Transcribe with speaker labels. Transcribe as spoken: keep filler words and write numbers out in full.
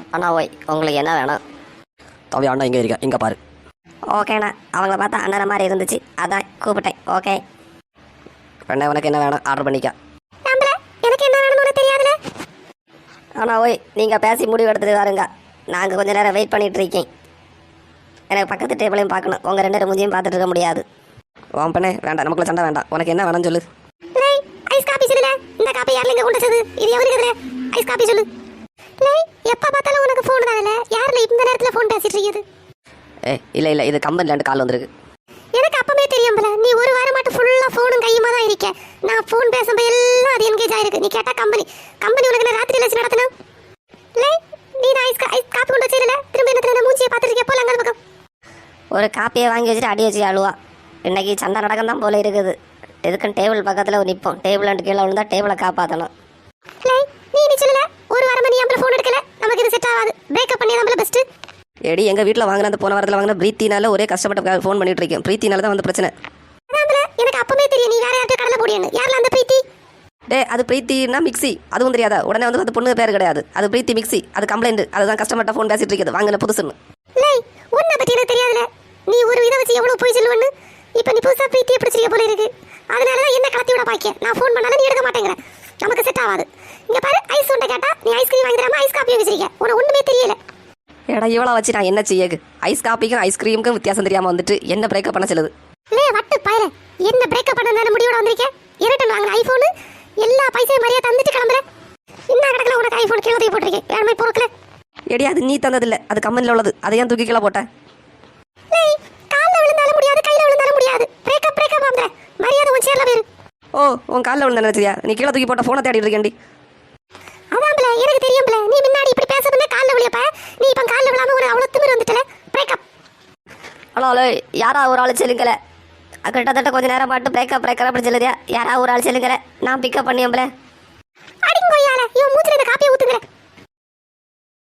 Speaker 1: அண்ணா ஓய் உங்களுக்கு என்ன வேணும்?
Speaker 2: தம்பி அண்ணா இங்கே இருக்க இங்கே பாரு.
Speaker 1: ஓகேண்ணா, அவங்கள பார்த்தா அண்ணனை மாதிரி இருந்துச்சு, அதான் கூப்பிட்டேன். ஓகே
Speaker 2: அண்ணா உனக்கு என்ன வேணும் ஆர்டர் பண்ணிக்க.
Speaker 1: எனக்கு என்ன வேணும்னு தெரியாதுல. அண்ணா ஓய் நீங்கள் பேசி முடிவு எடுத்துட்டு வாருங்க, நாங்கள் கொஞ்ச நேரம் வெயிட் பண்ணிட்டு இருக்கேன். எனக்கு பக்கத்து டேபிளையும் பார்க்கணும், உங்கள் ரெண்டு பேரும் மூஞ்சியும் பார்த்துட்டு இருக்க முடியாது.
Speaker 2: வான் பண்ணே வேண்டாம், நமக்குள்ள சண்டை வேண்டாம். உனக்கு என்ன வேணும்னு சொல்லு.
Speaker 1: ஐஸ் காபி சொல்லுல. இந்த காபி யார்ல இங்க கொண்டு வச்சது? இது எவருக்கு? ஐஸ் காபி சொல்லு. லேய் எப்ப பார்த்தாலும் உனக்கு ஃபோன் தானே, யார்ல இந்த நேரத்துல ஃபோன் பேசிட்டு இருக்குது?
Speaker 2: ஏ இல்லை இல்லை, இது கம்பெனில இருந்து கால் வந்திருக்கு.
Speaker 1: எனக்கு அப்பவே தெரியும்ல, நீ ஒரு வாரம் மட்டும் ஃபுல்லா ஃபோனும் கையுமா தான் இருக்க. நான் ஃபோன் பேசும்போது எல்லாம் அது என்கேஜ் ஆயிருக்கு. நீ கேட்டா கம்பெனி கம்பெனி உனக்கு நான் ராத்திரி லட்சம் நடத்தணும். லேய் நீ தான் ஐஸ் ஐஸ் காபி கொண்டு வச்சிரல, திரும்ப என்ன மூஞ்சியை பார்த்துட்டு இருக்க. போல அங்க பக்கம் ஒரு காப்பியை வாங்கி வச்சுட்டு அடி வச்சு அழுவா. இன்னைக்கு சண்டை நடக்கம் தான் போல இருக்குது. எதுக்குன்னு டேபிள் பக்கத்தில் நிற்போம், டேபிள் அண்டு கீழே விழுந்தா டேபிளை காப்பாற்றணும். நீ நீ சொல்லல ஒரு வாரமா நீ நம்மள ஃபோன் எடுக்கல, நமக்கு இது செட் ஆகாது, பிரேக்கப் பண்ணி நம்மள பெஸ்ட்.
Speaker 2: ஏடி எங்கள் வீட்டில் வாங்கின அந்த போன வாரத்தில் வாங்கின பிரீத்தினால ஒரே கஷ்டப்பட்டு ஃபோன் பண்ணிட்டு இருக்கேன். பிரீத்தினால தான் வந்து பிரச்சனை.
Speaker 1: எனக்கு அப்பவே தெரியும் நீ வேற யார்கிட்ட கடலை போடியன்னு. யாரில் அந்த பிரீத்தி?
Speaker 2: டே அது பிரீத்தினா மிக்ஸி, அதுவும் தெரியாதா? உடனே வந்து அந்த பொண்ணு பேர் கிடையாது, அது பிரீத்தி மிக்ஸி. அது கம்ப்ளைண்ட், அதுதான் கஸ்டமர்கிட்ட ஃபோன் பேசிட்டு இருக்குது வாங்கின புதுசுன்னு.
Speaker 1: லேய் உன்னை பற்றி எனக்கு தெரியாதுல, நீ ஒரு இதை வச்சு எவ்வளோ போய் சொல்லுவேன்னு. இப்போ நீ புதுசாக பிரீத்தியை பிடிச்சிருக்க போல இருக்கு, அதனால தான் என்ன கடத்தி விட பாக்க. நான் ஃபோன் பண்ணாலும் நீ எடுக்க மாட்டேங்கிற, நமக்கு செட் ஆகாது. இங்கே பாரு ஐஸ் உண்டை கேட்டா நீ ஐஸ்கிரீம் வாங்கி தராம ஐஸ் காப்பி வச்சிருக்க, உனக்கு ஒன்றுமே தெரியல.
Speaker 2: ஏடா இவ்வளோ வச்சு நான் என்ன செய்ய? ஐஸ் காப்பிக்கும் ஐஸ்கிரீமுக்கும் வித்தியாசம் தெரியாமல் வந்துட்டு என்ன பிரேக்கப் பண்ண சொல்லுது?
Speaker 1: லே வட்டு பயிர, என்ன பிரேக்கப் பண்ண முடிவோட வந்திருக்கேன். இரட்டன் வாங்கின ஐஃபோனு எல்லா பைசையும் மாதிரியே தந்துட்டு கிளம்புறேன். இன்னும் கிடக்கல உனக்கு ஐஃபோன் கீழே தூக்கி போட்டிருக்கேன். வேணுமே பொறுக்கல.
Speaker 2: எடி அது நீ தந்ததில்லை, அது கம்பெனியில் உள்ளது, அதை ஏன் தூக்கி கீழே போட்டேன்?
Speaker 1: லேய் காலில் விழுந்தாலும் முடியாது, கையில் விழுந்தாலும் முடியாது. பிரேக்கப் பிரேக்கப் ஆகுற மரியாதை உன் சேர்ல பேரு.
Speaker 2: ஓ உன் காலில் விழுந்த நினைச்சியா? நீ கீழே தூக்கி போட்ட ஃபோனை தேடி இருக்கேன்டி.
Speaker 1: அதான்ல எனக்கு தெரியும்ல, நீ முன்னாடி இப்படி பேசுறதுல காலில் விழியப்ப, நீ இப்போ காலில் விழாம ஒரு அவ்வளோ திமிர் வந்துட்டல. பிரேக்கப்.
Speaker 2: ஹலோ ஹலோ, யாரா ஒரு ஆள் செல்லுங்கல? கிட்டத்தட்ட கொஞ்ச நேரம் பாட்டு பிரேக்கப் பிரேக்கப் அப்படி சொல்லுதியா? யாரா ஒரு ஆள் செல்லுங்கல, நான் பிக்கப் பண்ணியோம்ல.
Speaker 1: அடிங்கோயால இவன் மூஞ்சில இந்த காப்பியை ஊத்துங்கற.